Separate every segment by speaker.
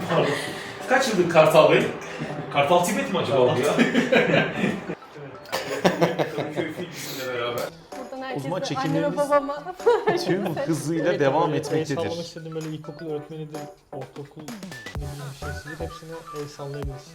Speaker 1: Pardon. Kaç yıldır Kartal Bey? Kartal Tibet mi acaba bu ya? Kadıköy Film bizimle beraber.
Speaker 2: Buradan
Speaker 3: O zaman
Speaker 2: herkese
Speaker 3: çekimlerimiz
Speaker 2: anneme babama
Speaker 3: tüm hızıyla devam
Speaker 4: El
Speaker 3: etmektedir.
Speaker 4: sallamak istediğim böyle ilkokul öğretmenidir, ortaokul ne bileyim bir şeysidir. Hepsine el sallayabiliriz.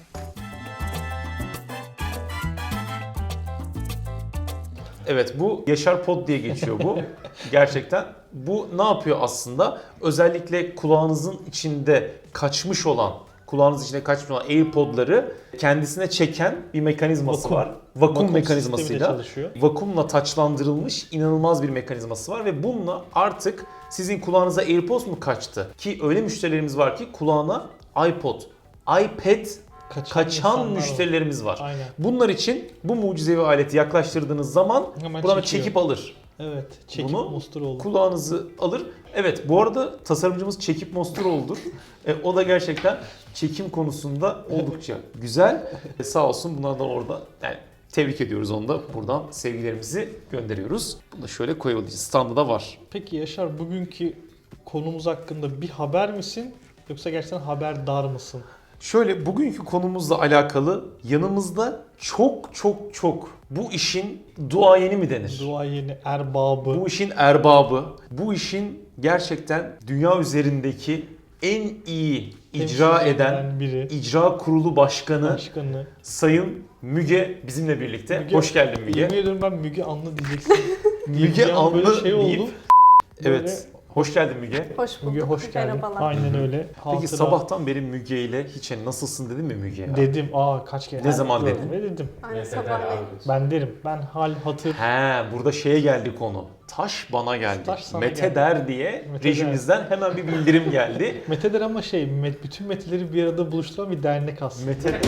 Speaker 3: Evet, bu Yaşar Pod diye geçiyor bu. Gerçekten. Bu ne yapıyor aslında? Özellikle kulağınızın içinde kaçmış olan, AirPod'ları kendisine çeken bir mekanizması
Speaker 4: Vakum.
Speaker 3: var. Vakum
Speaker 4: Vakum
Speaker 3: mekanizmasıyla
Speaker 4: sistemiyle çalışıyor.
Speaker 3: vakumla taçlandırılmış inanılmaz bir mekanizması var ve bununla artık sizin kulağınıza AirPods mu kaçtı? Ki öyle müşterilerimiz var ki kulağına iPod, iPad kaçan
Speaker 4: insanlar
Speaker 3: müşterilerimiz var.
Speaker 4: Aynen.
Speaker 3: Bunlar için bu mucizevi aleti yaklaştırdığınız zaman
Speaker 4: Hemen
Speaker 3: buradan
Speaker 4: çekiyor.
Speaker 3: çekip alır.
Speaker 4: Evet. Çekip
Speaker 3: Bunu
Speaker 4: Mosturoğlu.
Speaker 3: Kulağınızı alır. Evet, bu arada tasarımcımız Çekip Mosturoğlu'dur. O da gerçekten çekim konusunda oldukça güzel. Sağ olsun, bunlar da orada. Yani tebrik ediyoruz onu da. Buradan sevgilerimizi gönderiyoruz. Bunu da şöyle koyalım. Standı da var.
Speaker 4: Peki Yaşar, bugünkü konumuz hakkında bir haber misin? Yoksa gerçekten haberdar mısın?
Speaker 3: Şöyle, bugünkü konumuzla alakalı yanımızda çok bu işin duayeni mi denir?
Speaker 4: Duayeni, erbabı.
Speaker 3: Bu işin erbabı, bu işin gerçekten dünya üzerindeki en iyi icra
Speaker 4: temsil
Speaker 3: eden
Speaker 4: biri.
Speaker 3: icra kurulu başkanı
Speaker 4: Başkanı.
Speaker 3: Sayın Müge bizimle birlikte.
Speaker 4: Müge-
Speaker 3: Hoş geldin Müge.
Speaker 4: Yemin ediyorum ben Müge Anlı diyeceksin.
Speaker 3: Müge
Speaker 4: Bir an böyle
Speaker 3: Anlı
Speaker 4: şey oldu.
Speaker 3: deyip, evet. Hoş geldin Müge.
Speaker 2: hoş bulduk.
Speaker 4: Müge hoş geldin.
Speaker 2: Merhabalar.
Speaker 4: Aynen öyle.
Speaker 3: Peki sabahtan beri Müge ile hiç nasılsın dedin mi Müge ya?
Speaker 4: Dedim. Kaç kere.
Speaker 3: Ne zaman
Speaker 4: gördüm
Speaker 3: dedin?
Speaker 4: ve dedim.
Speaker 2: Aynı sabahleyin.
Speaker 4: Ben derim. Ben hal hatır.
Speaker 3: He, burada şeye geldi konu. Taş bana geldi.
Speaker 4: Taş sana
Speaker 3: Mete
Speaker 4: geldi.
Speaker 3: der diye
Speaker 4: Mete
Speaker 3: rejimizden hemen bir bildirim geldi.
Speaker 4: Mete'dir ama bütün Mete'leri bir arada buluşturan bir dernek aslında.
Speaker 3: Mete.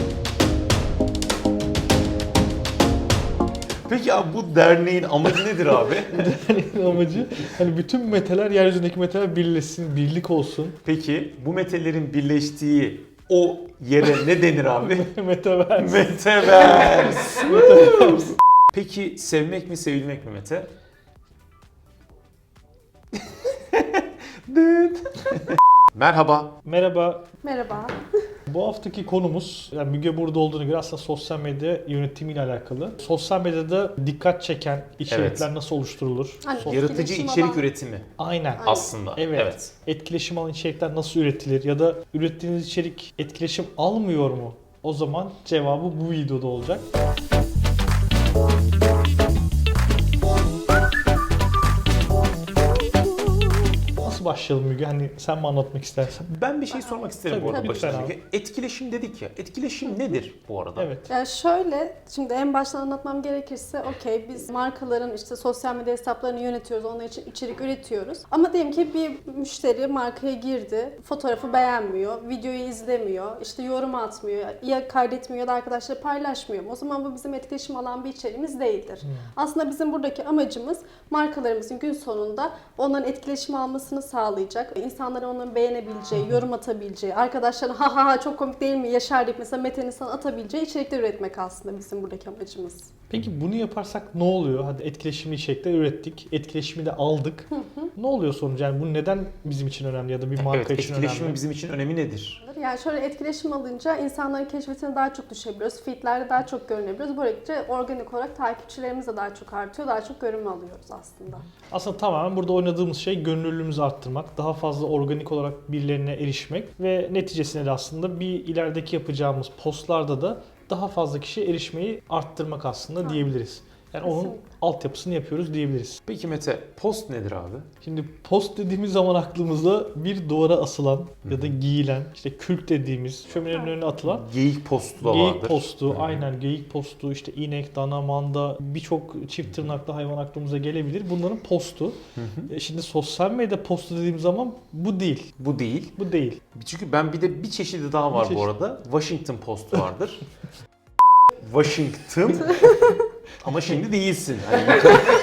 Speaker 3: Peki abi, bu derneğin amacı nedir abi?
Speaker 4: Derneğin amacı hani bütün Mete'ler, yeryüzündeki Mete'ler birleşsin, birlik olsun.
Speaker 3: Peki bu metelerin birleştiği o yere ne denir abi?
Speaker 4: Metaverse.
Speaker 3: Metaverse. Peki sevmek mi sevilmek mi Mete? Merhaba.
Speaker 4: Merhaba.
Speaker 2: Merhaba.
Speaker 4: Bu haftaki konumuz, yani Müge burada olduğunu göre aslında sosyal medya yönetimiyle alakalı. Sosyal medyada dikkat çeken içerikler nasıl oluşturulur?
Speaker 2: Hani
Speaker 3: Yaratıcı
Speaker 2: etkileşim
Speaker 3: içerik
Speaker 2: alan-
Speaker 3: üretimi
Speaker 4: Aynen.
Speaker 3: aslında.
Speaker 4: Evet. Etkileşim alan içerikler nasıl üretilir ya da ürettiğiniz içerik etkileşim almıyor mu? O zaman cevabı bu videoda olacak. Nasıl başlayalım Müge? Hani sen mi anlatmak istersen?
Speaker 3: Ben bir şey sormak isterim
Speaker 4: Tabii,
Speaker 3: bu arada
Speaker 4: tabii,
Speaker 3: başta.
Speaker 4: lütfen abi.
Speaker 3: Etkileşim dedik ya. Etkileşim nedir bu arada?
Speaker 4: Evet.
Speaker 2: Yani şöyle, şimdi en baştan anlatmam gerekirse, okey biz markaların işte sosyal medya hesaplarını yönetiyoruz, onlar için içerik üretiyoruz. Ama diyelim ki bir müşteri markaya girdi, fotoğrafı beğenmiyor, videoyu izlemiyor, işte yorum atmıyor, ya kaydetmiyor ya da arkadaşları paylaşmıyor. O zaman bu bizim etkileşim alan bir içeriğimiz değildir. Aslında bizim buradaki amacımız markalarımızın gün sonunda onların etkileşim almasını sağlayacak, insanların onların beğenebileceği, yorum atabileceği, arkadaşlarına ha ha ha çok komik değil mi Yaşar deyip mesela Mete'nin sana atabileceği içerikler üretmek aslında bizim buradaki amacımız.
Speaker 4: Peki bunu yaparsak ne oluyor? Hadi etkileşimli içerikler ürettik, etkileşimi de aldık. Ne oluyor sonuç? Yani bu neden bizim için önemli ya da bir marka
Speaker 3: Evet,
Speaker 4: için
Speaker 3: etkileşimin
Speaker 4: önemli?
Speaker 3: bizim için önemi nedir?
Speaker 2: Yani şöyle etkileşim alınca insanların keşfetine daha çok düşebiliyoruz, feedlerde daha çok görünebiliyoruz. Böylece organik olarak takipçilerimiz de daha çok artıyor, daha çok görünme alıyoruz aslında.
Speaker 4: Aslında tamamen burada oynadığımız şey gönüllülüğümüzü arttırmak, daha fazla organik olarak birilerine erişmek ve neticesinde de aslında bir ilerideki yapacağımız postlarda da daha fazla kişiye erişmeyi arttırmak aslında diyebiliriz. Yani onun
Speaker 2: Kesinlikle.
Speaker 4: altyapısını yapıyoruz diyebiliriz.
Speaker 3: Peki Mete, post nedir abi?
Speaker 4: Şimdi post dediğimiz zaman aklımızda bir duvara asılan ya da giyilen, işte kürk dediğimiz şöminenin önüne atılan
Speaker 3: Geyik postu da vardır.
Speaker 4: geyik postu, aynen geyik postu, işte inek, dana, manda, birçok çift tırnaklı hayvan aklımıza gelebilir. Bunların postu. Şimdi sosyal medya postu dediğim zaman bu değil.
Speaker 3: Bu değil.
Speaker 4: Bu değil.
Speaker 3: Çünkü ben bir çeşidi daha var
Speaker 4: Bir
Speaker 3: bu
Speaker 4: çeşit.
Speaker 3: arada. Washington Post vardır. Washington. Ama şimdi değilsin. Hani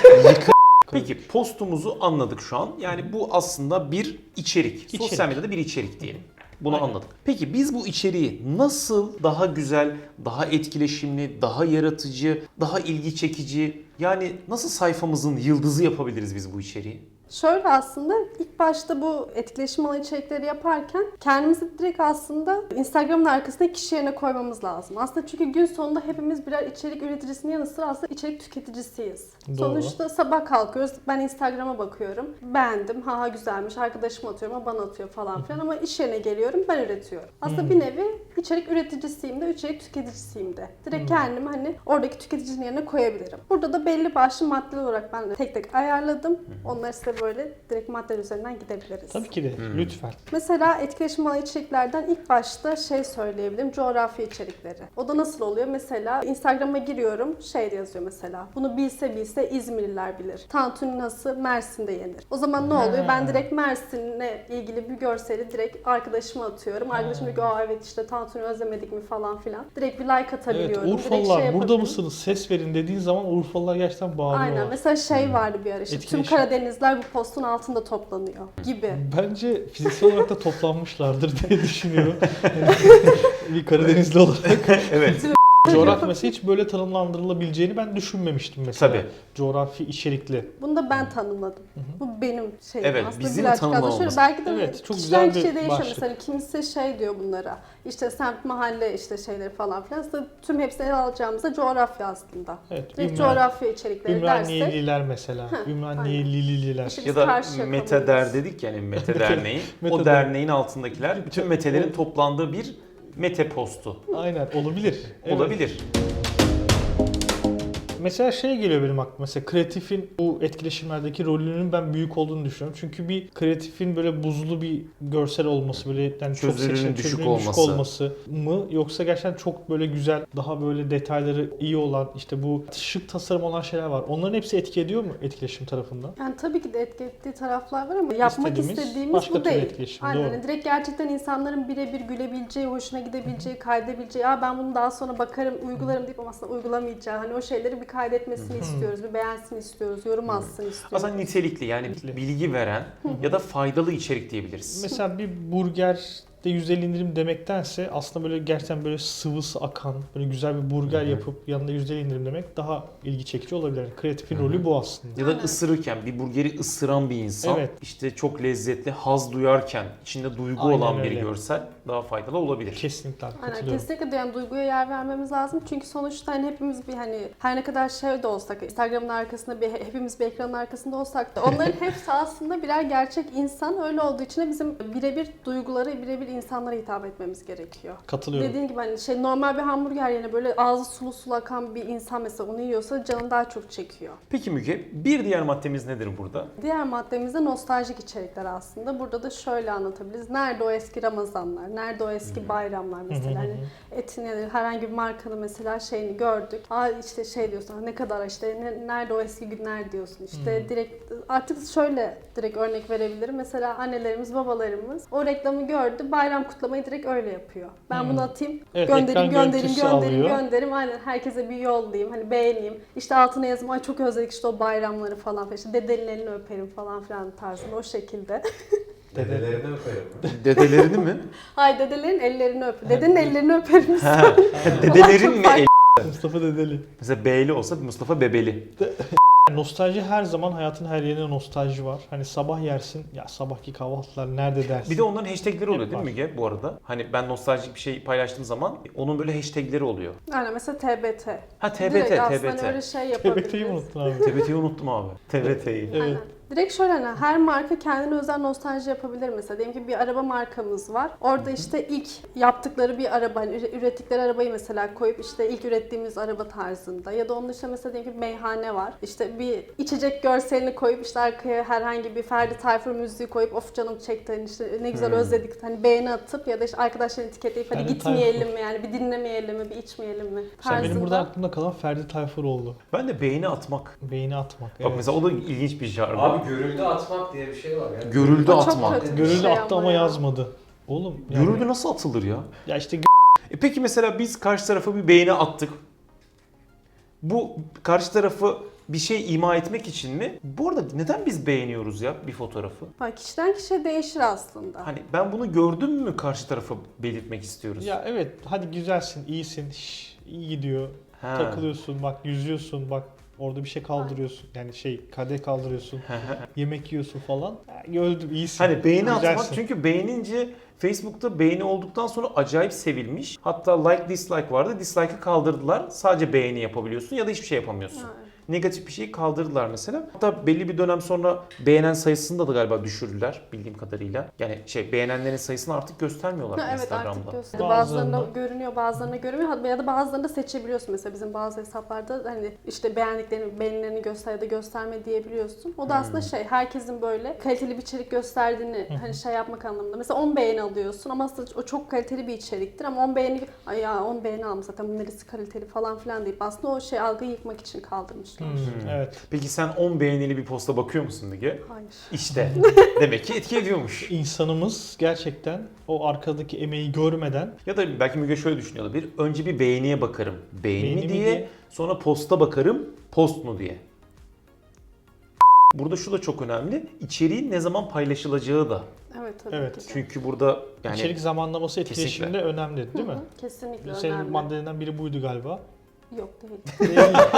Speaker 3: Peki postumuzu anladık şu an. Yani bu aslında bir içerik. Sosyal medyada bir içerik diyelim. Bunu
Speaker 4: Aynen.
Speaker 3: anladık. Peki biz bu içeriği nasıl daha güzel, daha etkileşimli, daha yaratıcı, daha ilgi çekici, yani nasıl sayfamızın yıldızı yapabiliriz biz bu içeriği?
Speaker 2: Şöyle aslında ilk başta bu etkileşim alan içerikleri yaparken kendimizi direkt aslında Instagram'ın arkasında kişi yerine koymamız lazım. Aslında çünkü gün sonunda hepimiz birer içerik üreticisinin yanı sıra aslında içerik tüketicisiyiz.
Speaker 4: Doğru.
Speaker 2: Sonuçta sabah kalkıyoruz, ben Instagram'a bakıyorum, beğendim, ha güzelmiş, arkadaşıma atıyorum, o bana atıyor falan filan ama iş yerine geliyorum, ben üretiyorum. Aslında bir nevi içerik üreticisiyim de, içerik tüketicisiyim de. Direkt kendimi hani oradaki tüketicinin yerine koyabilirim. Burada da belli başlı maddeler olarak ben de tek tek ayarladım. Onları size böyle direkt maddeler üzerinden gidebiliriz.
Speaker 4: Tabii ki de. Lütfen.
Speaker 2: Mesela etkileşim alan içeriklerden ilk başta şey söyleyebilirim, coğrafi içerikleri. O da nasıl oluyor? Mesela Instagram'a giriyorum, şey yazıyor mesela. Bunu bilse bilse İzmirliler bilir. Tantuni nasıl Mersin'de yenir. O zaman ne oluyor? Ben direkt Mersin'le ilgili bir görseli direkt arkadaşıma atıyorum. Arkadaşım diyor ki aa evet işte tantuni özlemedik mi falan filan. Direkt bir like
Speaker 4: Evet,
Speaker 2: atabiliyorum. Direkt
Speaker 4: Urfalılar
Speaker 2: şey
Speaker 4: burada
Speaker 2: yapabilirim.
Speaker 4: mısınız? Ses verin dediğin zaman Urfalılar gerçekten bağırıyorlar.
Speaker 2: Aynen. Mesela şey vardı bir ara işte. Tüm
Speaker 4: Etkileşim.
Speaker 2: Karadenizler bu postun altında toplanıyor gibi.
Speaker 4: Bence fiziksel olarak da toplanmışlardır diye düşünüyorum. Bir Karadenizli olarak.
Speaker 3: Evet.
Speaker 4: Coğrafya mesela hiç böyle tanımlandırılabileceğini ben düşünmemiştim mesela.
Speaker 3: Tabii.
Speaker 4: Coğrafi içerikli.
Speaker 2: Bunu da ben tanımladım. Bu benim şeyim.
Speaker 3: Evet,
Speaker 2: aslında
Speaker 3: bizim
Speaker 2: birazcık az da
Speaker 3: tanımlamamız.
Speaker 2: şöyle, belki de
Speaker 4: Evet, çok
Speaker 2: kişiden
Speaker 4: güzel bir
Speaker 2: kişiye değişiyor.
Speaker 4: başlık.
Speaker 2: Mesela kimisi şey diyor bunlara. İşte semt, mahalle işte şeyleri falan filan. Aslında tüm hepsini ele alacağımızda coğrafya aslında.
Speaker 4: Evet,
Speaker 2: Direkt coğrafya içerikleri dersek.
Speaker 4: Ümraniyeliler mesela. Ümraniyelililer.
Speaker 2: İşte
Speaker 3: Ya da
Speaker 2: karşı
Speaker 3: Mete
Speaker 2: yakalıyoruz.
Speaker 3: Der dedik yani Mete Derneği.
Speaker 4: Mete
Speaker 3: O
Speaker 4: Der.
Speaker 3: derneğin altındakiler bütün Metelerin toplandığı bir Mete postu.
Speaker 4: Aynen olabilir. Evet.
Speaker 3: Olabilir.
Speaker 4: Mesela şey geliyor benim aklıma. Mesela kreatifin bu etkileşimlerdeki rolünün ben büyük olduğunu düşünüyorum. Çünkü bir kreatifin böyle buzlu bir görsel olması, böyle yani çok
Speaker 3: Çözünürlüğün
Speaker 4: seçenek,
Speaker 3: düşük
Speaker 4: çözünürlüğün düşük
Speaker 3: olması.
Speaker 4: olması mı, yoksa gerçekten çok böyle güzel, daha böyle detayları iyi olan, işte bu şık tasarım olan şeyler var. Onların hepsi etki ediyor mu etkileşim tarafından?
Speaker 2: Yani tabii ki de etki ettiği taraflar var ama yapmak
Speaker 4: İstediğimiz
Speaker 2: istediğimiz
Speaker 4: başka
Speaker 2: bu
Speaker 4: türlü
Speaker 2: değil.
Speaker 4: etkileşim,
Speaker 2: Aynen.
Speaker 4: doğru.
Speaker 2: Hani direkt gerçekten insanların birebir gülebileceği, hoşuna gidebileceği, kaydedebileceği, ya ben bunu daha sonra bakarım, uygularım deyip ama aslında uygulamayacağı, hani o şeyleri bir kaydetmesini istiyoruz, bir beğensin istiyoruz, yorum alsın istiyoruz.
Speaker 3: Aslında nitelikli yani bilgi veren ya da faydalı içerik diyebiliriz.
Speaker 4: Mesela bir burger de 150 indirim demektense aslında böyle gerçekten böyle sıvısı akan, böyle güzel bir burger yapıp yanında 150 indirim demek daha ilgi çekici olabilir. Yani kreatifin rolü bu aslında.
Speaker 3: Ya da ısırırken bir burgeri ısıran bir insan
Speaker 4: Evet.
Speaker 3: işte çok lezzetli haz duyarken içinde duygu
Speaker 4: Aynen
Speaker 3: olan bir
Speaker 4: öyle.
Speaker 3: görsel daha faydalı olabilir.
Speaker 4: Kesinlikle
Speaker 2: Aynen,
Speaker 4: katılıyorum.
Speaker 2: kesinlikle de yani duyguya yer vermemiz lazım. Çünkü sonuçta hani hepimiz bir hani her ne kadar şey de olsak, Instagram'ın arkasında hepimiz bir ekranın arkasında olsak da onların hepsi aslında birer gerçek insan. Öyle olduğu için de bizim birebir duyguları, birebir insanlara hitap etmemiz gerekiyor.
Speaker 4: Katılıyorum.
Speaker 2: Dediğin gibi hani şey normal bir hamburger yerine böyle ağzı sulu sulu akan bir insan mesela onu yiyorsa canını daha çok çekiyor.
Speaker 3: Peki Müge, bir diğer maddemiz nedir burada?
Speaker 2: Diğer maddemiz de nostaljik içerikler aslında. Burada da şöyle anlatabiliriz. Nerede o eski Ramazanlar? Nerede o eski bayramlar mesela? Hani etin ya da herhangi bir markanın mesela şeyini gördük. Aa işte şey diyorsun ne kadar işte nerede o eski günler diyorsun. İşte direkt artık şöyle direkt örnek verebilirim. Mesela annelerimiz, babalarımız o reklamı gördü. Bayram kutlamayı direkt öyle yapıyor. Ben bunu atayım,
Speaker 4: Evet,
Speaker 2: göndereyim,
Speaker 4: ekran
Speaker 2: göndereyim,
Speaker 4: görüntüsü
Speaker 2: göndereyim,
Speaker 4: alıyor.
Speaker 2: göndereyim. Aynen herkese bir yollayayım. Hani beğeneyim. İşte altına yazayım. Ay çok özledik işte o bayramları falan filan. İşte dedenin elini öperim falan filan tarzında o şekilde.
Speaker 5: Dedelerini öperim.
Speaker 3: Dedelerini mi?
Speaker 2: Hay dedelerin ellerini öp. Dedenin ellerini öperim.
Speaker 3: Ha, dedelerin mi?
Speaker 4: Mustafa Dedeli.
Speaker 3: Mesela Beyli olsa Mustafa Bebeli.
Speaker 4: Nostalji her zaman hayatın her yerine nostalji var. Hani sabah yersin, ya sabahki kahvaltılar nerede dersin?
Speaker 3: Bir de onların hashtagleri oluyor
Speaker 4: Hep
Speaker 3: değil mi
Speaker 4: var.
Speaker 3: Müge bu arada? Hani ben nostaljik bir şey paylaştığım zaman onun böyle hashtagleri oluyor.
Speaker 2: Aynen mesela TBT.
Speaker 3: Ha
Speaker 2: Direkt
Speaker 3: TBT,
Speaker 2: aslında hani
Speaker 3: TBT.
Speaker 2: öyle şey yapabiliriz.
Speaker 4: TBT'yi unuttun abi.
Speaker 3: TBT'yi unuttum abi. TBT'yi.
Speaker 4: Evet.
Speaker 2: Aynen. Direkt şöyle hani her marka kendine özel nostalji yapabilir mesela. Diyelim ki bir araba markamız var. Orada işte ilk yaptıkları bir araba, hani ürettikleri arabayı mesela koyup işte ilk ürettiğimiz araba tarzında. Ya da onun dışında mesela diyelim ki meyhane var. İşte bir içecek görselini koyup işte arkaya herhangi bir Ferdi Tayfur müziği koyup of canım çekti hani işte ne güzel özledik hani beğeni atıp ya da işte arkadaşlarını etiketleyip hadi
Speaker 4: Ferdi
Speaker 2: gitmeyelim mi yani bir dinlemeyelim mi bir içmeyelim mi
Speaker 4: Sen benim
Speaker 2: tarzında.
Speaker 4: burada aklımda kalan Ferdi Tayfur oldu.
Speaker 3: Ben de beğeni atmak.
Speaker 4: Beğeni atmak.
Speaker 3: Bak mesela o da ilginç bir jargon.
Speaker 5: Abi görüldü atmak diye bir şey var ya.
Speaker 3: Görüldü
Speaker 2: O çok
Speaker 3: atmak.
Speaker 2: kötü.
Speaker 4: Görüldü
Speaker 2: Şey
Speaker 4: attı
Speaker 2: ama
Speaker 4: ama
Speaker 2: ya.
Speaker 4: yazmadı. Oğlum yani,
Speaker 3: Görüldü nasıl atılır ya?
Speaker 4: ya işte
Speaker 3: Peki mesela biz karşı tarafa bir beğeni attık. Bu karşı tarafı bir şey ima etmek için mi? Bu arada neden biz beğeniyoruz ya bir fotoğrafı?
Speaker 2: Bak kişiden kişiye değişir aslında.
Speaker 3: Hani ben bunu gördüm mü karşı tarafa belirtmek istiyoruz.
Speaker 4: ya evet hadi güzelsin, iyisin, iyi gidiyor.
Speaker 3: Ha.
Speaker 4: Takılıyorsun, bak yüzüyorsun, bak Orada bir şey kaldırıyorsun. Yani kadeh kaldırıyorsun. Yemek yiyorsun falan. Öldüm, iyisin.
Speaker 3: Hani beğeni atmak,
Speaker 4: Güzelsin.
Speaker 3: çünkü beğenince Facebook'ta beğeni olduktan sonra acayip sevilmiş. Hatta like dislike vardı. Dislike'ı kaldırdılar. Sadece beğeni yapabiliyorsun ya da hiçbir şey yapamıyorsun.
Speaker 2: Ha.
Speaker 3: Negatif bir şeyi kaldırdılar mesela. Hatta belli bir dönem sonra beğenen sayısını da galiba düşürdüler bildiğim kadarıyla. Yani beğenenlerin sayısını artık göstermiyorlar
Speaker 2: Evet, artık
Speaker 3: Instagram'da.
Speaker 2: gösteriyor.
Speaker 4: Bazılarında-
Speaker 2: Bazılarında görünüyor, bazılarında görünmüyor. Ya da bazılarında seçebiliyorsun. Mesela bizim bazı hesaplarda hani işte beğendiklerini, beğenilerini göster ya da gösterme diyebiliyorsun. O da aslında herkesin böyle kaliteli bir içerik gösterdiğini hani yapmak anlamında. Mesela 10 beğeni alıyorsun ama aslında o çok kaliteli bir içeriktir ama 10 beğeni, ay ya 10 beğeni almış zaten bu neresi kaliteli falan filan deyip aslında o algıyı yıkmak için kaldırmışlar.
Speaker 4: Evet.
Speaker 3: Peki sen 10 beğenili bir posta bakıyor musun Müge?
Speaker 2: Hayır.
Speaker 3: İşte demek ki etki ediyormuş.
Speaker 4: İnsanımız gerçekten o arkadaki emeği görmeden
Speaker 3: Ya da belki Müge şöyle düşünüyor olabilir. Önce bir beğeniye bakarım. Beğeni
Speaker 4: Beğeni
Speaker 3: mi
Speaker 4: mi
Speaker 3: diye,
Speaker 4: diye.
Speaker 3: sonra posta bakarım. Post mu diye. Burada şu da çok önemli. İçeriğin ne zaman paylaşılacağı da.
Speaker 2: Evet tabii
Speaker 4: Evet.
Speaker 2: ki de.
Speaker 3: Çünkü burada yani
Speaker 4: içerik zamanlaması
Speaker 3: Kesinlikle.
Speaker 4: etkileşimde önemli değil mi?
Speaker 2: Kesinlikle
Speaker 4: Senin
Speaker 2: önemli.
Speaker 4: maddelerinden biri buydu galiba.
Speaker 2: Yok değil.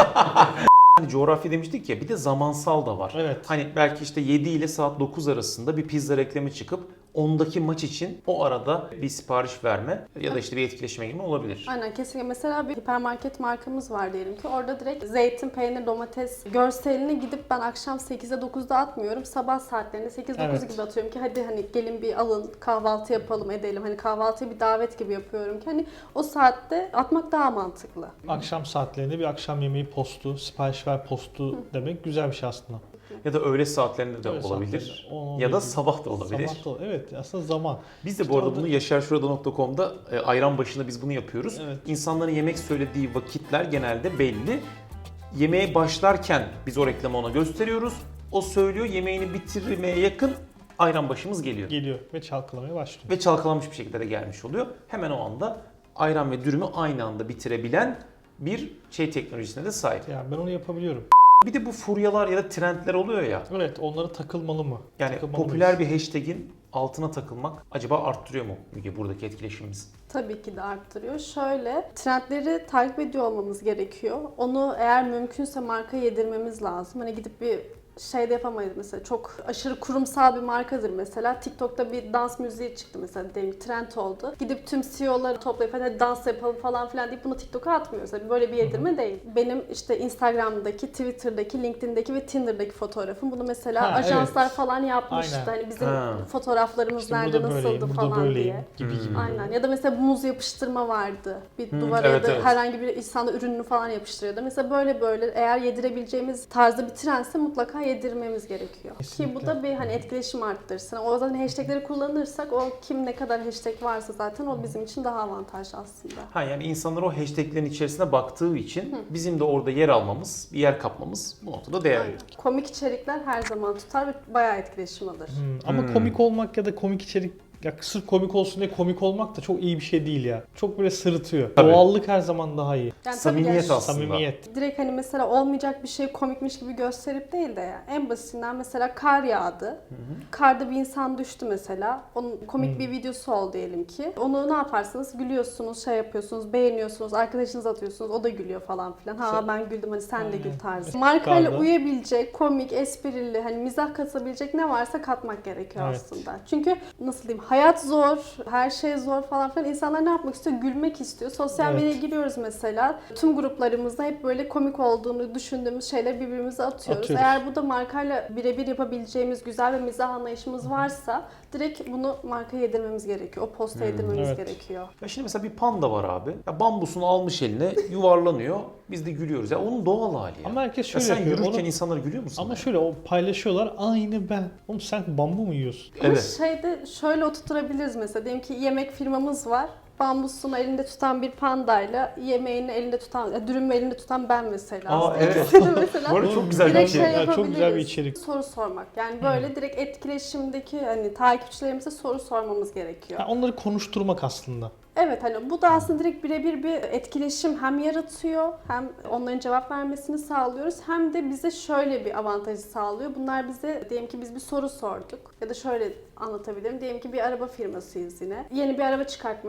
Speaker 3: hani coğrafya demiştik ya, bir de zamansal da var.
Speaker 4: Evet.
Speaker 3: Hani belki işte 7 ile saat 9 arasında bir pizza reklamı çıkıp 10'daki maç için o arada bir sipariş verme ya da işte bir etkileşime girme olabilir.
Speaker 2: Aynen, kesinlikle. Mesela bir hipermarket markamız var diyelim ki. Orada direkt zeytin, peynir, domates görselini gidip ben akşam 8'de 9'da atmıyorum. Sabah saatlerinde 8-9
Speaker 4: Evet.
Speaker 2: gibi atıyorum ki hadi hani gelin bir alın, kahvaltı yapalım edelim. Hani kahvaltıyı bir davet gibi yapıyorum ki hani o saatte atmak daha mantıklı.
Speaker 4: Akşam saatlerinde bir akşam yemeği postu, sipariş ver postu demek güzel bir şey aslında.
Speaker 3: Ya da öğle saatlerinde de
Speaker 4: Öğle
Speaker 3: olabilir.
Speaker 4: saatlerinde, 10-11
Speaker 3: Ya da
Speaker 4: gibi.
Speaker 3: sabah da olabilir.
Speaker 4: Sabah da, evet aslında zaman.
Speaker 3: Biz de
Speaker 4: İşte
Speaker 3: bu arada
Speaker 4: orada-
Speaker 3: bunu yaşarşurada.com'da ayran başında biz bunu yapıyoruz.
Speaker 4: Evet.
Speaker 3: İnsanların yemek söylediği vakitler genelde belli. Yemeğe başlarken biz o reklamı ona gösteriyoruz. O söylüyor, yemeğini bitirmeye yakın ayran başımız geliyor.
Speaker 4: Geliyor ve çalkalamaya başlıyor.
Speaker 3: Ve çalkalanmış bir şekilde de gelmiş oluyor. Hemen o anda ayran ve dürümü aynı anda bitirebilen bir teknolojisine de sahip.
Speaker 4: Yani ben onu yapabiliyorum.
Speaker 3: Bir de bu furyalar ya da trendler oluyor ya.
Speaker 4: Evet, onlara takılmalı mı?
Speaker 3: Yani
Speaker 4: Takılmalı
Speaker 3: popüler
Speaker 4: mıyız?
Speaker 3: bir hashtag'in altına takılmak acaba arttırıyor mu Müge buradaki etkileşimimizi?
Speaker 2: Tabii ki de arttırıyor. Şöyle, trendleri takip ediyor olmamız gerekiyor. Onu eğer mümkünse marka yedirmemiz lazım. Hani gidip bir de yapamayız mesela. Çok aşırı kurumsal bir markadır mesela. TikTok'ta bir dans müziği çıktı mesela, diyelim ki trend oldu. Gidip tüm CEO'ları toplayıp hadi dans yapalım falan filan deyip bunu TikTok'a atmıyoruz. Yani böyle bir yedirme değil. Benim işte Instagram'daki, Twitter'daki, LinkedIn'daki ve Tinder'daki fotoğrafım. Bunu mesela
Speaker 4: Ha,
Speaker 2: ajanslar
Speaker 4: evet.
Speaker 2: falan yapmıştı.
Speaker 4: Aynen.
Speaker 2: Hani bizim
Speaker 3: Ha.
Speaker 2: fotoğraflarımız
Speaker 4: İşte
Speaker 2: nerede
Speaker 4: burada böyleyim,
Speaker 2: nasıldı
Speaker 4: burada
Speaker 2: falan
Speaker 4: böyleyim
Speaker 2: diye.
Speaker 4: gibi.
Speaker 2: Aynen. Ya da mesela muz yapıştırma vardı. Bir duvara
Speaker 3: evet,
Speaker 2: ya da
Speaker 3: evet.
Speaker 2: herhangi bir insanda ürününü falan yapıştırıyordu. Mesela böyle eğer yedirebileceğimiz tarzda bir trendse mutlaka yedirmemiz gerekiyor.
Speaker 4: Kesinlikle.
Speaker 2: Ki bu da bir hani etkileşim arttırsın. O zaman hashtagleri kullanırsak o kim ne kadar hashtag varsa zaten o bizim için daha avantajlı aslında.
Speaker 3: Ha, yani insanlar o hashtaglerin içerisine baktığı için bizim de orada yer almamız, bir yer kapmamız bu noktada değerli.
Speaker 2: Aynen. Komik içerikler her zaman tutar ve bayağı etkileşim alır.
Speaker 4: Ama komik olmak ya da komik içerik, ya sırf komik olsun diye komik olmak da çok iyi bir şey değil ya. Çok böyle sırıtıyor.
Speaker 3: Tabii.
Speaker 4: Doğallık her zaman daha iyi.
Speaker 2: Yani tabii
Speaker 3: Samimiyet
Speaker 2: ki
Speaker 3: aslında.
Speaker 4: Samimiyet.
Speaker 2: direkt hani mesela olmayacak bir şey komikmiş gibi gösterip değil de ya. En basitinden mesela kar yağdı. Karda bir insan düştü mesela. Onun komik bir videosu oldu diyelim ki. Onu ne yaparsınız? Gülüyorsunuz, yapıyorsunuz, beğeniyorsunuz, arkadaşınıza atıyorsunuz. O da gülüyor falan filan. Ha ben güldüm hadi sen de gül tarzı. Markayla
Speaker 4: Karda.
Speaker 2: uyabilecek, komik, esprili, hani mizah katabilecek ne varsa katmak gerekiyor
Speaker 4: Evet.
Speaker 2: aslında. Çünkü nasıl diyeyim, hayat zor, her şey zor falan filan. İnsanlar ne yapmak istiyor? Gülmek istiyor. Sosyal
Speaker 4: Evet.
Speaker 2: medyaya giriyoruz mesela. Tüm gruplarımızda hep böyle komik olduğunu düşündüğümüz şeyleri birbirimize atıyoruz.
Speaker 4: Atıyoruz.
Speaker 2: Eğer bu da markayla birebir yapabileceğimiz güzel ve mizah anlayışımız varsa direkt bunu markaya yedirmemiz gerekiyor. O posta yedirmemiz
Speaker 4: Evet.
Speaker 2: gerekiyor.
Speaker 3: Ya şimdi mesela bir panda var abi. Ya bambusunu almış eline, yuvarlanıyor. Biz de gülüyoruz. Ya onun doğal hali ya.
Speaker 4: Ama herkes
Speaker 3: Ya
Speaker 4: şöyle
Speaker 3: sen
Speaker 4: yapıyor.
Speaker 3: yürürken
Speaker 4: Onu-
Speaker 3: insanlar gülüyor musun?
Speaker 4: Ama şöyle o paylaşıyorlar aynı ben. Oğlum sen bambu mu yiyorsun?
Speaker 2: Ama
Speaker 3: Evet.
Speaker 2: şeyde şöyle oturtturabiliriz mesela. Diyelim ki yemek firmamız var. Bambusunu elinde tutan bir pandayla yemeğini elinde tutan, dürümü elinde tutan ben mesela.
Speaker 3: Aa, evet.
Speaker 2: İkisi de mesela
Speaker 3: Bu arada çok güzel bir
Speaker 2: direkt
Speaker 3: şey.
Speaker 2: şey
Speaker 4: Ya, çok
Speaker 2: yapabiliriz.
Speaker 4: güzel bir içerik.
Speaker 2: Soru sormak. Yani böyle direkt etkileşimdeki hani takipçilerimize soru sormamız gerekiyor.
Speaker 4: Ha, onları konuşturmak aslında.
Speaker 2: Evet, hani bu da aslında direkt birebir bir etkileşim hem yaratıyor, hem onların cevap vermesini sağlıyoruz, hem de bize şöyle bir avantajı sağlıyor. Bunlar bize, diyelim ki biz bir soru sorduk ya da şöyle anlatabilirim. Diyelim ki bir araba firmasıyız yine. Yeni bir araba çıkartmak istiyor.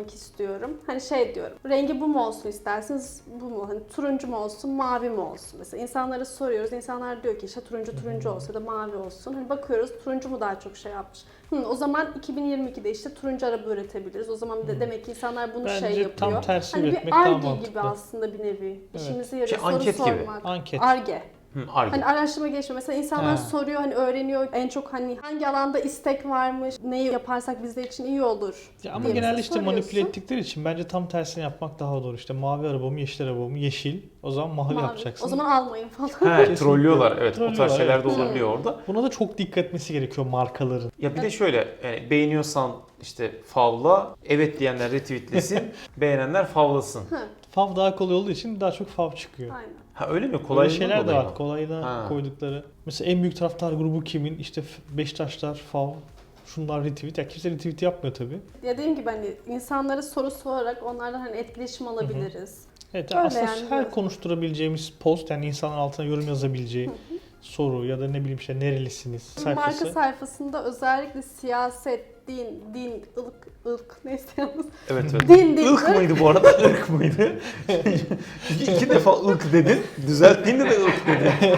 Speaker 2: diyorum. Hani şey diyorum. Rengi bu mu olsun isterseniz, bu mu? Hani turuncu mu olsun, mavi mi olsun? Mesela insanlara soruyoruz. İnsanlar diyor ki işte turuncu olsa ya da mavi olsun. Hani bakıyoruz turuncu mu daha çok şey yapmış. O zaman 2022'de işte turuncu araba üretebiliriz. O zaman de demek ki insanlar bunu
Speaker 4: Bence
Speaker 2: şey yapıyor.
Speaker 4: tam tersi
Speaker 2: hani
Speaker 4: üretmek
Speaker 2: bir
Speaker 4: daha
Speaker 2: Ar-Ge
Speaker 4: mantıklı.
Speaker 2: gibi aslında bir nevi.
Speaker 4: Evet.
Speaker 2: İşimize yarıyor. Soru
Speaker 3: anket gibi.
Speaker 2: sormak.
Speaker 4: Anket.
Speaker 2: Ar-Ge.
Speaker 3: Ar-Ge.
Speaker 2: Hani araştırma gelişme. Mesela insanlar
Speaker 4: Ha.
Speaker 2: soruyor, hani öğreniyor. En çok hani hangi alanda istek varmış, neyi yaparsak bizler için iyi olur.
Speaker 4: Ya ama
Speaker 2: diye
Speaker 4: genelde
Speaker 2: mesela
Speaker 4: işte manipüle
Speaker 2: soruyorsun.
Speaker 4: ettikleri için bence tam tersini yapmak daha doğru. İşte mavi arabamı, yeşil arabamı, yeşil. O zaman mavi,
Speaker 2: Mavi.
Speaker 4: yapacaksın.
Speaker 2: O zaman almayın falan.
Speaker 3: He,
Speaker 4: Kesinlikle.
Speaker 3: trollüyorlar. Evet, o tarz
Speaker 4: Trollüyorlar,
Speaker 3: şeyler
Speaker 4: evet.
Speaker 3: de olabiliyor orada.
Speaker 4: Buna da çok dikkat etmesi gerekiyor markaların.
Speaker 3: Ya bir de şöyle, yani beğeniyorsan işte favla, evet diyenler retweetlesin, beğenenler favlasın.
Speaker 4: Fav daha kolay olduğu için daha çok fav çıkıyor.
Speaker 2: Aynen.
Speaker 3: Ha öyle mi?
Speaker 4: Kolay
Speaker 3: Kolaylığından
Speaker 4: şeyler de
Speaker 3: dolayı
Speaker 4: var.
Speaker 3: mı?
Speaker 4: Kolayına
Speaker 3: Ha.
Speaker 4: koydukları. Mesela en büyük taraftar grubu kimin? İşte Beşiktaşlar, fav, şunlar retweet. Ya kimse retweet yapmıyor tabii.
Speaker 2: Ya dediğim gibi hani insanlara soru sorarak onlardan hani etkileşim alabiliriz.
Speaker 4: Evet,
Speaker 2: Öyle
Speaker 4: aslında
Speaker 2: yani,
Speaker 4: her
Speaker 2: evet.
Speaker 4: konuşturabileceğimiz post, yani insanların altına yorum yazabileceği soru ya da ne bileyim işte nerelisiniz
Speaker 2: Marka
Speaker 4: sayfası.
Speaker 2: sayfasında özellikle siyaset, din, ırk neyse yalnız.
Speaker 3: Evet evet.
Speaker 2: Din,
Speaker 3: Irk mıydı bu arada? Irk mıydı? İki defa ırk dedin. Düzelttiğinde de ırk dedin.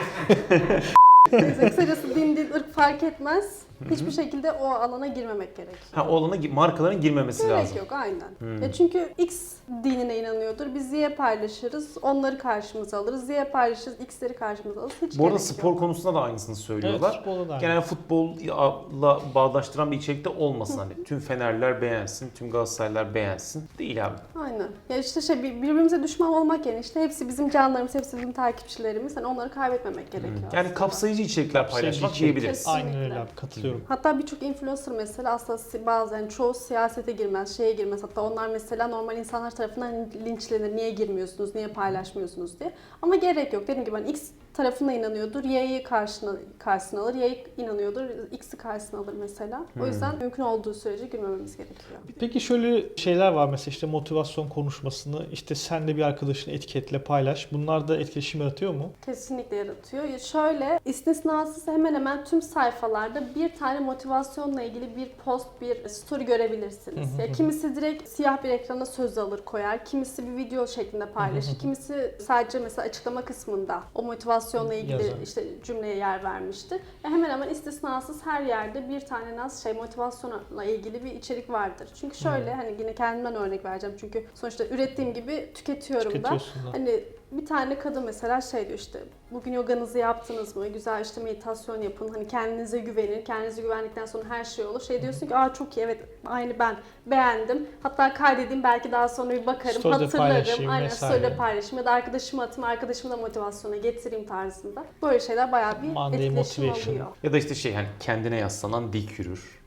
Speaker 2: Neyse kısacası din, ırk fark etmez. Hiçbir şekilde o alana girmemek gerekiyor.
Speaker 3: Ha, o alana markaların girmemesi
Speaker 2: Gerek
Speaker 3: lazım.
Speaker 2: yok aynen. Ya çünkü X dinine inanıyordur. Biz Y paylaşırız. Onları karşımıza alırız. Y paylaşırız. X'leri karşımıza alırız. Hiç
Speaker 3: Bu arada
Speaker 2: gerek
Speaker 3: spor
Speaker 2: yok.
Speaker 3: konusunda da aynısını
Speaker 4: Evet,
Speaker 3: söylüyorlar.
Speaker 4: futbolda da aynı.
Speaker 3: Genel futbolla bağdaştıran bir içerikte olmasın hani. Tüm Fenerler beğensin, tüm Galatasaraylar beğensin. Değil abi.
Speaker 2: Aynen. Ya işte birbirimize düşman olmak yerine işte hepsi bizim canlarımız, hepsi bizim takipçilerimiz. Hani onları kaybetmemek gerekiyor.
Speaker 3: Yani
Speaker 2: aslında.
Speaker 3: kapsayıcı içerikler
Speaker 4: Kapsayıcı
Speaker 3: paylaşmak
Speaker 4: içerik.
Speaker 3: diyebiliriz.
Speaker 4: Aynen öyle abi, katılıyorum.
Speaker 2: Hatta birçok influencer mesela aslında bazen çoğu siyasete girmez, şeye girmez. Hatta onlar mesela normal insanlar tarafından linçlenir. Niye girmiyorsunuz, niye paylaşmıyorsunuz diye. Ama gerek yok. Dediğim gibi hani X tarafına inanıyordur, Y'yi karşısına alır. Y inanıyordur, X'i karşısına alır mesela. O yüzden mümkün olduğu sürece girmememiz gerekiyor.
Speaker 4: Peki şöyle şeyler var mesela, işte motivasyon konuşmasını işte sen de bir arkadaşını etiketle paylaş. Bunlar da etkileşim yaratıyor mu?
Speaker 2: Kesinlikle yaratıyor. Ya şöyle, istisnasız hemen hemen tüm sayfalarda bir tane motivasyonla ilgili bir post, bir story görebilirsiniz. Ya kimisi direkt siyah bir ekrana söz alır koyar, kimisi bir video şeklinde paylaşır, kimisi sadece mesela açıklama kısmında o motivasyonla ilgili
Speaker 4: Yazar.
Speaker 2: işte cümleye yer vermiştir. Ya hemen hemen istisnasız her yerde bir tane motivasyonla ilgili bir içerik vardır. Çünkü şöyle hani yine kendimden örnek vereceğim çünkü sonuçta ürettiğim gibi tüketiyorum da.
Speaker 4: Tüketiyorsun da.
Speaker 2: Hani bir tane kadın mesela şey diyor işte bugün yoganızı yaptınız mı? Güzel işte meditasyon yapın. Hani kendinize güvenin. Kendinize güvendikten sonra her şey olur. Şey diyorsun ki çok iyi, evet aynı ben beğendim. Hatta kaydedeyim, belki daha sonra bir bakarım,
Speaker 4: Story'de
Speaker 2: hatırlarım.
Speaker 4: paylaşayım
Speaker 2: Aynen
Speaker 4: vesaire.
Speaker 2: story'de paylaşayım ya da arkadaşıma atayım, arkadaşımı da motivasyona getireyim tarzında. Böyle şeyler bayağı bir
Speaker 4: Monday
Speaker 2: etkileşim
Speaker 4: motivation.
Speaker 2: oluyor.
Speaker 3: Ya da işte şey hani kendine yaslanan dik yürür.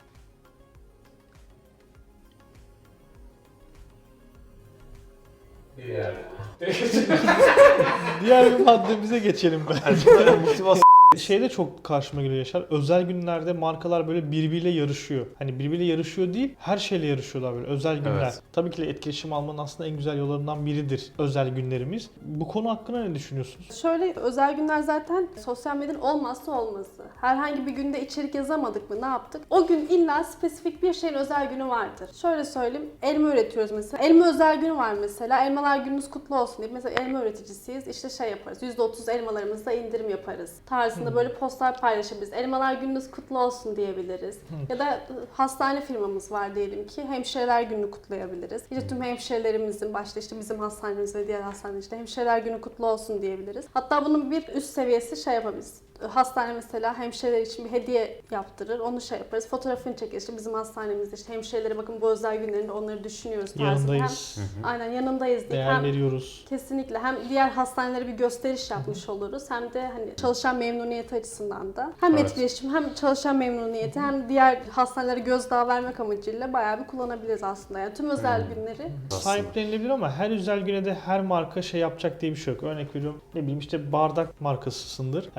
Speaker 5: Diğer.
Speaker 4: Diğer bir maddemize geçelim ben.
Speaker 3: Yani bunlara motivasyon
Speaker 4: Şeyde çok karşıma geliyor Yaşar. Özel günlerde markalar böyle birbiriyle yarışıyor. Hani birbiriyle yarışıyor değil, her şeyle yarışıyorlar böyle özel günler.
Speaker 3: Evet.
Speaker 4: Tabii ki de etkileşim almanın aslında en güzel yollarından biridir özel günlerimiz. Bu konu hakkında ne düşünüyorsunuz?
Speaker 2: Şöyle, özel günler zaten sosyal medyanın olmazsa olmazı. Herhangi bir günde içerik yazamadık mı, ne yaptık? O gün illa spesifik bir şeyin özel günü vardır. Şöyle söyleyeyim, elma üretiyoruz mesela. Elma özel günü var mesela. Elmalar gününüz kutlu olsun diye. Mesela elma üreticisiyiz. İşte şey yaparız. %30 elmalarımızda indirim yaparız. Tarzında böyle postlar paylaşabiliriz. Elmalar gününüz kutlu olsun diyebiliriz. Ya da hastane firmamız var diyelim ki. Hemşireler gününü kutlayabiliriz. İşte tüm hemşirelerimizin, başta işte bizim hastanemiz ve diğer hastaneler, işte hemşireler günü kutlu olsun diyebiliriz. Hatta bunun bir üst seviyesi şey yapabiliriz. Hastane mesela hemşireler için bir hediye yaptırır. Onu şey yaparız. Fotoğrafını çekeriz. İşte bizim hastanemizde işte hemşirelere bakın bu özel günlerinde onları düşünüyoruz tarzında.
Speaker 4: Yanındayız.
Speaker 2: Aynen yanındayız diye.
Speaker 4: Değer
Speaker 2: Hem
Speaker 4: veriyoruz.
Speaker 2: kesinlikle hem diğer hastanelere bir gösteriş yapmış oluruz, hem de hani çalışan memnuniyeti açısından da hem
Speaker 3: Evet.
Speaker 2: etkileşim hem çalışan memnuniyeti hem diğer hastanelere gözdağı vermek amacıyla bayağı bir kullanabiliriz aslında. Yani tüm özel günleri
Speaker 4: Sahiplenilebilir ama her özel güne de her marka şey yapacak diye bir şey yok. Örnek veriyorum, ne bileyim işte bardak markasısındır. Ya gidip de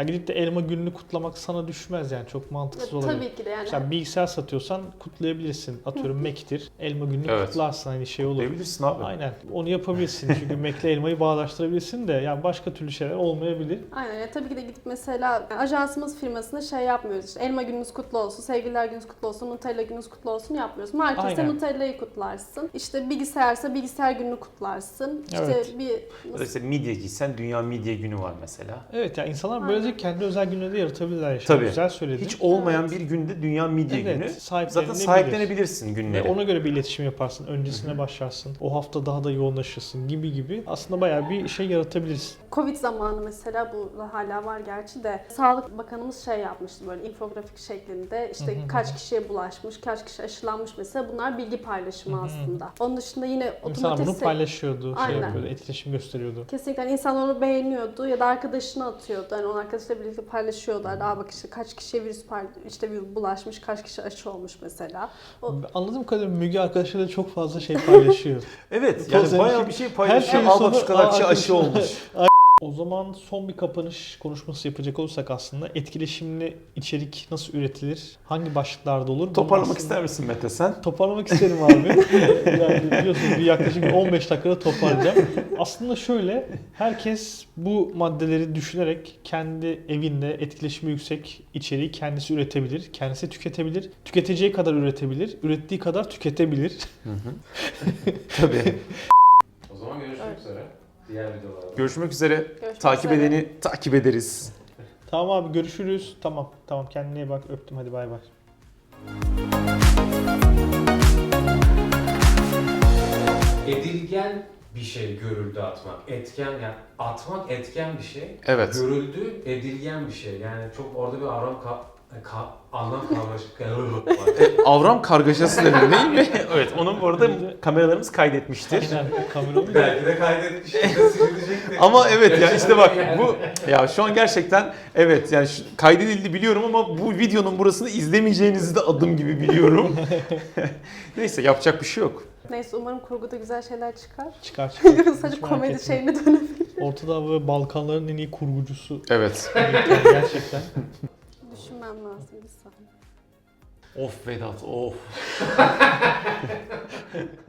Speaker 4: elma gününü kutlamak sana düşmez yani çok mantıksız olabilir.
Speaker 2: Tabii ki de yani.
Speaker 4: Sen bilgisayar satıyorsan kutlayabilirsin. Atıyorum Mac'tir. Elma gününü
Speaker 3: Evet.
Speaker 4: kutlarsın hani şey olur.
Speaker 3: Diyebilirsin abi.
Speaker 4: Aynen. Onu yapabilirsin. Çünkü Mac'le elmayı bağdaştırabilirsin de yani başka türlü şeyler olmayabilir.
Speaker 2: Aynen. Yani tabii ki de gidip mesela ajansımız firmasında şey yapmıyoruz. İşte elma gününüz kutlu olsun, sevgililer gününüz kutlu olsun, Nutella gününüz kutlu olsun yapmıyoruz. Marketse
Speaker 4: Aynen.
Speaker 2: Nutella'yı kutlarsın. İşte bilgisayarsa bilgisayar gününü kutlarsın. İşte
Speaker 4: Evet.
Speaker 3: Ya da işte midye giysen Dünya Midye Günü var mesela.
Speaker 4: Evet yani insanlar
Speaker 2: Aynen.
Speaker 4: böylece kendi özel günleri de yaratabilirler. Işte.
Speaker 3: Tabii.
Speaker 4: Güzel söyledin.
Speaker 3: Hiç olmayan bir günde Dünya Midye
Speaker 4: Evet,
Speaker 3: Günü.
Speaker 4: sahiplenebilir.
Speaker 3: Zaten sahiplenebilirsin
Speaker 4: Ve
Speaker 3: günleri.
Speaker 4: ona göre bir iletişim yaparsın. Öncesine başlarsın. O hafta daha da yoğunlaşırsın gibi. Aslında bayağı bir şey yaratabilirsin.
Speaker 2: Covid zamanı mesela bu da hala var gerçi de Sağlık Bakanımız şey yapmıştı böyle infografik şeklinde işte kaç kişiye bulaşmış, kaç kişi aşılanmış mesela bunlar bilgi paylaşımı aslında. Onun dışında yine
Speaker 4: İnsanlar
Speaker 2: otomotiv
Speaker 4: bunu paylaşıyordu, şey
Speaker 2: Aynen.
Speaker 4: yapıyordu, etkileşim gösteriyordu.
Speaker 2: kesinlikle hani insanlar onu beğeniyordu ya da arkadaşına atıyordu. Hani onun arkadaşıyla birlikte paylaşıyorlar. Daha bak işte kaç kişiye virüs bulaşmış, kaç kişi aşı olmuş mesela.
Speaker 4: Anladığım kadarıyla Müge arkadaşlarıyla çok fazla şey paylaşıyor.
Speaker 3: Evet yani
Speaker 4: Sosyal
Speaker 3: bayağı
Speaker 4: şey-
Speaker 3: bir şey
Speaker 4: Her
Speaker 3: paylaşıyor.
Speaker 4: şeyin
Speaker 3: Al bak
Speaker 4: sonu
Speaker 3: şu kadar kişi
Speaker 4: "Aa,
Speaker 3: aşı
Speaker 4: arkadaşlar."
Speaker 3: olmuş.
Speaker 4: O zaman son bir kapanış konuşması yapacak olursak aslında etkileşimli içerik nasıl üretilir? Hangi başlıklarda olur? Bunu
Speaker 3: Toparlamak
Speaker 4: aslında-
Speaker 3: ister misin Mete sen?
Speaker 4: Toparlamak isterim abi. Yani biliyorsunuz bir yaklaşık 15 dakikada toparlayacağım. Aslında şöyle, herkes bu maddeleri düşünerek kendi evinde etkileşimi yüksek içeriği kendisi üretebilir, kendisi tüketebilir, tüketeceği kadar üretebilir, ürettiği kadar tüketebilir.
Speaker 3: Tabii.
Speaker 5: O zaman görüşmek
Speaker 2: Evet.
Speaker 5: üzere. Diğer videolarda.
Speaker 3: Görüşmek üzere.
Speaker 2: Görüşmek
Speaker 3: Takip
Speaker 2: üzere.
Speaker 3: edeni takip ederiz.
Speaker 4: Tamam abi görüşürüz. Tamam kendine iyi bak öptüm hadi bay bay.
Speaker 5: Edilgen bir şey görüldü atmak. Etken yani atmak etken bir şey.
Speaker 3: Evet.
Speaker 5: Görüldü edilgen bir şey. Yani çok orada bir anlam karmaşıklığı var.
Speaker 3: Avram kargaşası denir değil mi? Evet onun bu arada kameralarımız kaydetmiştir.
Speaker 4: Aynen kameralı da.
Speaker 5: Belki de kaydetmiştir de silinecektir.
Speaker 3: Ama evet ya işte bak bu ya şu an gerçekten evet yani kaydedildi biliyorum ama bu videonun burasını izlemeyeceğinizi de adım gibi biliyorum. Neyse yapacak bir şey yok.
Speaker 2: Neyse umarım kurguda güzel şeyler çıkar.
Speaker 4: Çıkar.
Speaker 2: Sadece
Speaker 4: Hiç merak
Speaker 2: komedi
Speaker 4: etme.
Speaker 2: şeyine dönebilir.
Speaker 4: Ortada böyle Balkanların en iyi kurgucusu.
Speaker 3: Evet.
Speaker 4: Gerçekten.
Speaker 2: Düşünmem lazım bir saniye.
Speaker 3: Of Vedat of.